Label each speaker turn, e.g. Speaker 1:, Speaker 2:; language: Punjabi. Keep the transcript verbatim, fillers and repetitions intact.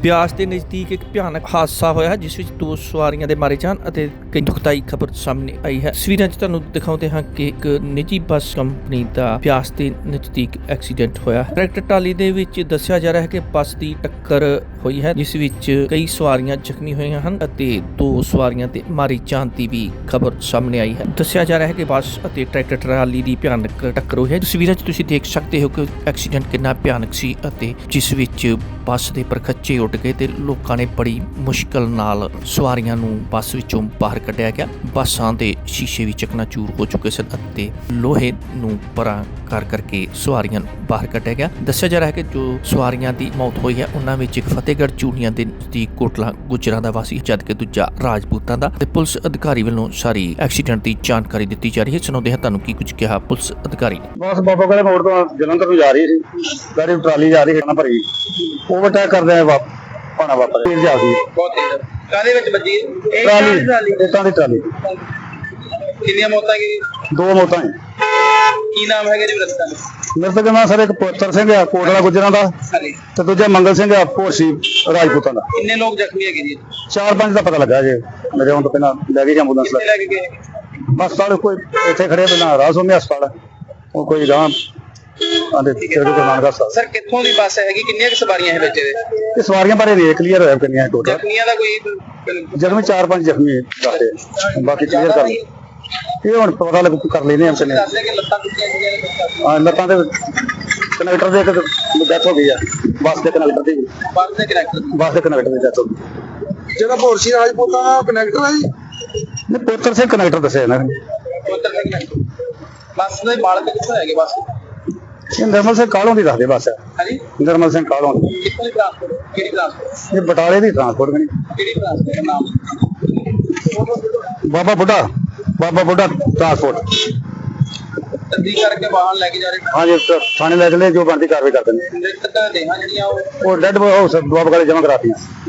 Speaker 1: ਬਿਆਸ ਦੇ ਨਜ਼ਦੀਕ ਇੱਕ ਭਿਆਨਕ ਹਾਦਸਾ ਹੋਇਆ ਹੈ ਜਿਸ ਵਿੱਚ ਦੋ ਸਵਾਰੀਆਂ ਦੇ ਮਾਰੇ ਜਾਣ ਅਤੇ ਕਈ ਦੁਖਦਾਈ ਖਬਰ ਸਾਹਮਣੇ ਆਈ ਹੈ। ਤਸਵੀਰਾਂ 'ਚ ਤੁਹਾਨੂੰ ਦਿਖਾਉਂਦੇ ਹਾਂ ਕਿ ਇੱਕ ਨਿੱਜੀ ਬੱਸ ਕੰਪਨੀ ਦਾ ਬਿਆਸ ਦੇ ਨਜ਼ਦੀਕ ਐਕਸੀਡੈਂਟ ਹੋਇਆ ਹੈ। ਟਰੈਕਟਰ ਟਰਾਲੀ ਦੇ ਵਿੱਚ ਦੱਸਿਆ ਜਾ ਰਿਹਾ ਹੈ ਕਿ ਬੱਸ ਦੀ ਟੱਕਰ ਹੋਈ ਹੈ ਜਿਸ ਵਿੱਚ ਕਈ ਸਵਾਰੀਆਂ ਜ਼ਖਮੀ ਹੋਈਆਂ ਹਨ ਅਤੇ ਦੋ ਸਵਾਰੀਆਂ ਦੇ ਮਾਰੀ ਜਾਣ ਦੀ ਵੀ ਖਬਰ ਸਾਹਮਣੇ ਆਈ ਹੈ। ਦੱਸਿਆ ਜਾ ਰਿਹਾ ਹੈ ਕਿ ਬੱਸ ਅਤੇ ਟਰੈਕਟਰ ਟਰਾਲੀ ਦੀ ਭਿਆਨਕ ਟੱਕਰ ਹੋਈ ਹੈ। ਤਸਵੀਰਾਂ 'ਚ ਤੁਸੀਂ ਦੇਖ ਸਕਦੇ ਹੋ ਕਿ ਐਕਸੀਡੈਂਟ ਕਿੰਨਾ ਭਿਆਨਕ ਸੀ ਅਤੇ ਜਿਸ ਵਿੱਚ ਬੱਸ ਦੇ ਪਰਖੱਚੇ ਉੱਡ ਗਏ ਤੇ ਲੋਕਾਂ ਨੇ ਬੜੀ ਮੁਸ਼ਕਲ ਨਾਲ ਸਵਾਰੀਆਂ ਨੂੰ ਬੱਸ ਵਿੱਚੋਂ ਬਾਹਰ ਕੱਢਿਆ ਗਿਆ। ਬੱਸਾਂ ਦੇ ਸ਼ੀਸ਼ੇ ਵੀ ਚਕਨਾਚੂਰ ਹੋ ਚੁੱਕੇ ਸਨ ਅਤੇ ਲੋਹੇ ਨੂੰ ਪਰਾਂ ਕਰ ਕਰਕੇ ਸਵਾਰੀਆਂ ਨੂੰ ਬਾਹਰ ਕੱਢਿਆ ਗਿਆ। ਦੱਸਿਆ ਜਾ ਰਿਹਾ ਹੈ ਕਿ ਜੋ ਸਵਾਰੀਆਂ ਦੀ ਮੌਤ ਹੋਈ ਹੈ ਉਹਨਾਂ ਵਿੱਚ ਇੱਕ ਫਤਿਹਗੜ੍ਹ ਚੂੜੀਆਂ ਦੇ ਨਜ਼ਦੀਕ ਕੋਟਲਾ ਗੁਜਰਾਂ ਦਾ ਵਾਸੀ ਜਦਕਿ ਦੂਜਾ ਰਾਜਪੂਤਾਂ ਦਾ। ਤੇ ਪੁਲਿਸ ਅਧਿਕਾਰੀ ਵੱਲੋਂ ਸਾਰੀ ਐਕਸੀਡੈਂਟ ਦੀ ਜਾਣਕਾਰੀ ਦਿੱਤੀ ਜਾ ਰਹੀ ਹੈ। ਸੁਣਾਉਂਦੇ ਹਾਂ ਤੁਹਾਨੂੰ ਕੀ ਕੁਝ ਕਿਹਾ ਪੁਲਿਸ ਅਧਿਕਾਰੀ ਨੇ।
Speaker 2: ਬਸ ਬਾਬਾ ਕੋਲੇ ਮੋੜ ਤੋਂ ਜਲੰਧਰ ਨੂੰ ਜਾ ਰਹੀ ਸੀ, ਗਾੜੀ ਟਰਾਲੀ ਜਾ ਰਹੀ ਹੈ ਨਾ ਭਰੀ, ਓਵਰਟੇਕ ਕਰਦੇ ਆ ਪਾਣਾ ਵਾਪਰ ਤੇਜ਼ ਜਾ ਗਈ।
Speaker 3: ਬਹੁਤ ਤੇਜ਼ ਕਾਹਦੇ ਵਿੱਚ ਵੱਜੀ ਇਹ
Speaker 2: ਟਰਾਲੀ ਇੱਟਾਂ ਦੀ ਟਰਾਲੀ।
Speaker 3: ਕਿੰਨੀਆਂ ਮੌਤਾਂ ਕੀ
Speaker 2: ਦੋ ਮੌਤਾਂ ਹੈ।
Speaker 3: ਕੀ ਨਾਮ ਹੈਗਾ ਜੀ ਰਸਤਾ
Speaker 2: ਮੇਰੇ ਤੋਂ ਕਹਿੰਦਾ ਸਰ ਇੱਕ ਪੁੱਤਰ ਸਿੰਘ ਆ ਕੋਟਲਾ ਗੁਜਰਾਂ ਦਾ ਤੇ ਦੂਜਾ ਮੰਗਲ ਸਿੰਘ ਆ ਭੋਸੀ ਰਾਜਪੂਤਾਂ ਦਾ।
Speaker 3: ਕਿੰਨੇ ਲੋਕ ਜ਼ਖਮੀ ਹੈਗੇ ਜੀ?
Speaker 2: ਚਾਰ ਪੰਜ ਦਾ ਪਤਾ ਲੱਗਾ ਜੇ ਮੇਰੇ ਹੁਣ ਤੋਂ ਪਹਿਲਾਂ ਲੈ ਗਈ ਐਂਬੂਲੈਂਸ
Speaker 3: ਕਿੱਥੇ ਲੈ ਕੇ ਗਏ?
Speaker 2: ਹਸਪਤਾਲ ਕੋਈ ਇੱਥੇ ਖੜੇ ਪਹਿਲਾਂ ਰਾਸੋਮੀ ਹਸਪਤਾਲ ਉਹ ਕੋਈ ਗਾਂ ਆਂਦੇ ਤੇਰੇ ਕੋਲ ਨਾਨਕ ਹਸਪਤਾਲ।
Speaker 3: ਸਰ ਕਿੱਥੋਂ ਦੀ ਬੱਸ ਹੈਗੀ, ਕਿੰਨੀਆਂ ਕੁ ਸਵਾਰੀਆਂ ਹੈ ਵਿੱਚ ਇਹਦੇ?
Speaker 2: ਇਹ ਸਵਾਰੀਆਂ ਬਾਰੇ ਨਹੀਂ ਕਲੀਅਰ ਹੋਇਆ ਕਿੰਨੀਆਂ ਟੋਟਲ।
Speaker 3: ਜ਼ਖਮੀਆਂ ਦਾ ਕੋਈ
Speaker 2: ਜ਼ਖਮੀ ਚਾਰ ਪੰਜ ਜ਼ਖਮੀ ਦੱਸਦੇ ਬਾਕੀ ਕਲੀਅਰ ਕਰ ਇਹ ਹੁਣ ਪਤਾ ਲੱਗ ਕਰ ਲੈਨੇ ਆ ਕਿੰਨੇ।
Speaker 3: ਦੱਸਦੇ ਕਿ ਲੱਤਾਂ ਟੁੱਟੀਆਂ ਸੀਗੀਆਂ।
Speaker 2: ਹਾਂ ਲੱਤਾਂ ਦੇ ਕਨੈਕਟਰ ਦੇ ਇੱਕ ਡੈਥ ਹੋ ਗਈ ਆ ਬੱਸ ਦੇ ਕਨੈਕਟਰ ਦੀ।
Speaker 3: ਬੱਸ ਦੇ ਕਨੈਕਟਰ
Speaker 2: ਬੱਸ ਦੇ ਕਨੈਕਟਰ ਦੀ ਡੈਥ ਹੋ ਗਈ।
Speaker 3: ਜਿਹੜਾ ਭੋਰਸੀ ਰਾਜਪੂਤਾਂ ਦਾ ਕਨੈਕਟਰ ਹੈ ਜੀ?
Speaker 2: ਨਹੀਂ ਪੁੱਤਰ ਸਿੰਘ ਕਨੈਕਟਰ ਦੱਸਿਆ ਇਹਨਾਂ ਨੇ।
Speaker 3: ਪੁੱਤਰ ਸਿੰਘ ਕਨੈਕਟਰ। ਬੱਸ ਦੇ ਮਾਲਕ ਕਿੱਥੋਂ ਹੈਗੇ ਬੱਸ?
Speaker 2: ਇਹ ਨਿਰਮਲ ਸਿੰਘ ਕਾਲੋਂ ਦੀ ਦੱਸਦੇ ਬੱਸ।
Speaker 3: ਹਾਂਜੀ
Speaker 2: ਨਿਰਮਲ ਸਿੰਘ ਕਾਲੋਂ ਦੀ।
Speaker 3: ਕਿੱਥੋਂ ਦੀ ਟ੍ਰਾਂਸਪੋਰਟ? ਕਿਹੜੀ ਟ੍ਰਾਂਸਪੋਰਟ?
Speaker 2: ਇਹ ਬਟਾਲੇ ਦੀ ਟਰਾਂਸਪੋਰਟ ਬਣੀ।
Speaker 3: ਕਿਹੜੀ ਟ੍ਰਾਂਸਪੋਰਟ ਨਾਮ?
Speaker 2: ਬਾਬਾ ਬੁੱਢਾ ਬਾਬਾ ਬੁੱਢਾ ਟਰਾਂਸਪੋਰਟ।
Speaker 3: ਤਸਦੀਕ ਕਰਕੇ ਵਾਹਨ ਲੈ ਕੇ ਜਾ ਰਹੇ
Speaker 2: ਹਾਂਜੀ ਥਾਣੇ ਲੈ ਚਲੇ ਜੋ ਬਣਦੀ ਕਾਰਵਾਈ ਕਰ ਦਿੰਦੇ।
Speaker 3: ਮ੍ਰਿਤਕ ਦੇਹਾਂ ਜਿਹੜੀਆਂ ਉਹ
Speaker 2: ਉਹ ਡੈਡ ਹਾਊਸ ਬਾਬਾ ਕਾਲੇ ਜਮ੍ਹਾਂ ਕਰਾਤੀਆਂ।